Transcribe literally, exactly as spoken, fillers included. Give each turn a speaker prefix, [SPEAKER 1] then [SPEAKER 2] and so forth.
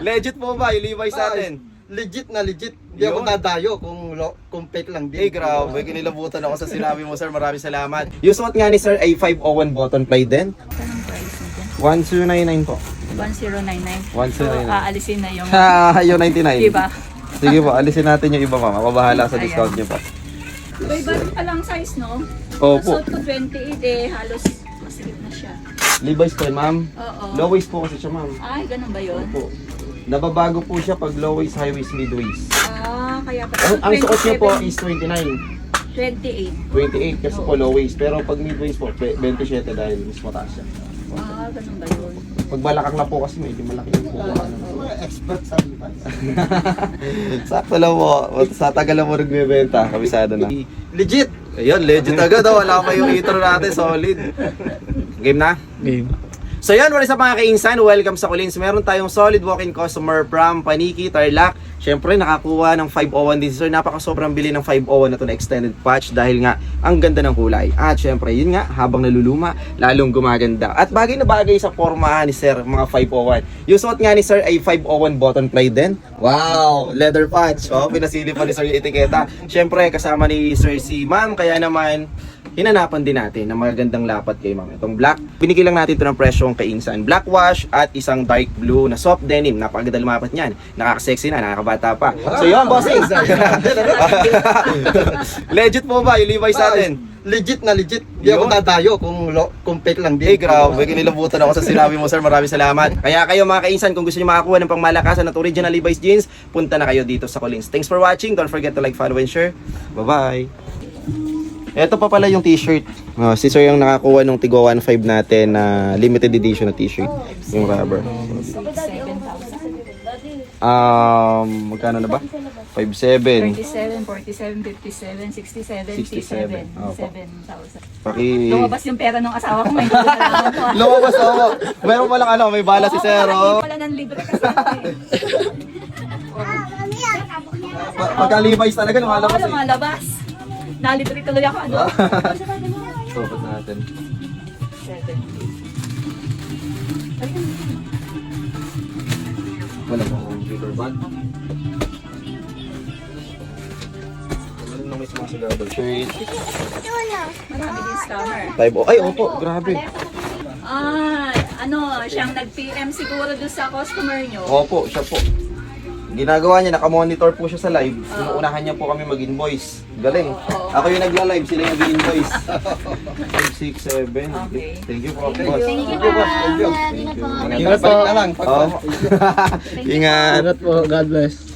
[SPEAKER 1] Legit po ba yung Levi's natin?
[SPEAKER 2] Legit na legit. Hindi ako
[SPEAKER 1] Yun.
[SPEAKER 2] dadayo kung, lo, kung fake lang din.
[SPEAKER 1] Eh, grabe. Kinilabutan ako sa sinabi mo, sir. Maraming salamat. Yung suot nga ni sir ay five oh one button play din.
[SPEAKER 3] Anong price nito?
[SPEAKER 1] one zero nine nine po.
[SPEAKER 3] one zero nine nine.
[SPEAKER 1] one zero nine nine.
[SPEAKER 3] So, aalisin na yung...
[SPEAKER 1] Ha, yung ninety-nine.
[SPEAKER 3] Diba?
[SPEAKER 1] Sige po, alisin natin yung iba, ma'am. Mabahala sa
[SPEAKER 3] Ayan.
[SPEAKER 1] discount niyo po.
[SPEAKER 3] Iba pa lang size, no?
[SPEAKER 1] Opo.
[SPEAKER 3] Suot ko twenty-eight eh, halos masigit na siya.
[SPEAKER 1] Levi's po, ma'am.
[SPEAKER 3] Oo.
[SPEAKER 1] Low waist po kasi siya, ma'am.
[SPEAKER 3] Ay, ganun ba yun?
[SPEAKER 1] Opo. Nababago po siya pag low waist, high waist, mid waist.
[SPEAKER 3] Ah, kaya pa.
[SPEAKER 1] Ang, ang suot niya po is twenty-nine.
[SPEAKER 3] twenty-eight.
[SPEAKER 1] twenty-eight kasi po low waist. Pero pag mid waist po, twenty-seven dahil mas mataas siya.
[SPEAKER 3] Ah, ganun ba yun?
[SPEAKER 1] Pag balakang na po kasi medyo malaki yung kukuha.
[SPEAKER 2] Mga expert sa Levi's.
[SPEAKER 1] Sakto lang po. Sa tagal lang mo nagbebenta. Kabisado na.
[SPEAKER 2] Legit.
[SPEAKER 1] Ayun, legit agad. Oh. Wala pa yung intro natin. Solid. Game na?
[SPEAKER 4] Game.
[SPEAKER 1] So yan, wala sa mga kainsan, welcome sa Collins. Meron tayong solid walk-in customer from Paniki, Tarlac. Siyempre, nakakuha ng five oh one din. So, napaka sobrang bili ng five oh one na to na extended patch dahil nga, ang ganda ng kulay. At siyempre, yun nga, habang naluluma, lalong gumaganda. At bagay na bagay sa forma ni Sir, mga five oh one. Yung suot nga ni Sir ay five oh one button play din. Wow! Leather patch. Oh, pinasili pa ni Sir yung etiketa. Siyempre, kasama ni Sir si Ma'am, kaya naman, hinanapan din natin ng magagandang lapat kay ma'am. Itong black, binigyan lang natin ito ng presyong kay Insan. Black wash at isang dark blue na soft denim. Napakaganda lumapat niyan. Nakaka-sexy na, nakakabata pa. So yun, bossing! Legit po ba yung Levi's natin?
[SPEAKER 2] Legit na legit. Hindi ako
[SPEAKER 1] Yun.
[SPEAKER 2] dadayo kung, lo, kung fake lang din.
[SPEAKER 1] Eh, grabe. Kinilabutan ako sa sinabi mo, sir. Maraming salamat. Kaya kayo mga kainsan, kung gusto niyo makakuha ng pangmalakasan at original Levi's jeans, punta na kayo dito sa Collins. Thanks for watching. Don't forget to like, follow, and share. Bye-bye! Ito pa pala yung t-shirt. Oh, si sir yung nakakuha ng Tigo one five natin na limited edition na t-shirt. Yung rubber.
[SPEAKER 3] seven thousand.
[SPEAKER 1] Um, magkano na ba? five seven.
[SPEAKER 3] thirty-seven, forty-seven, fifty-seven, sixty-seven,
[SPEAKER 1] sixty-seven.
[SPEAKER 3] sixty-seven,
[SPEAKER 1] Opo.
[SPEAKER 3] seven thousand.
[SPEAKER 1] Paki...
[SPEAKER 3] Lumabas yung pera ng asawa ko, may nalalaman ko.
[SPEAKER 1] Lumabas ako. Meron pa lang ano, may bala si sir. Oh.
[SPEAKER 3] Wala ng libre kasi. eh.
[SPEAKER 1] Pa- Pagka Levi's talaga lumalabas
[SPEAKER 3] Oo,
[SPEAKER 1] eh.
[SPEAKER 3] lumalabas. Nalibre tuloy ako, ano?
[SPEAKER 1] Sukat natin.
[SPEAKER 3] Seven.
[SPEAKER 1] Wala po akong paper bag. Wala nang may sumasigado. Shirt.
[SPEAKER 3] Marami din scammer.
[SPEAKER 1] Five oh. Ay, opo. Grabe.
[SPEAKER 3] Ah, ano, siyang nag-P M siguro doon sa customer nyo.
[SPEAKER 1] Opo, siya po. Ginagawa niya, nakamonitor po siya sa live. Inuunahan niya po kami mag-invoice. Galing. Ako yung nagla-live, sila yung nag-invoice. five, six, seven.
[SPEAKER 3] Okay.
[SPEAKER 1] Thank you po,
[SPEAKER 3] Thank
[SPEAKER 1] boss.
[SPEAKER 3] you.
[SPEAKER 2] Thank you, boss. Thank you.
[SPEAKER 1] Thank you.
[SPEAKER 4] Ingat po.
[SPEAKER 2] na lang.
[SPEAKER 1] Oh. Ingat.
[SPEAKER 4] Ingat po. God bless.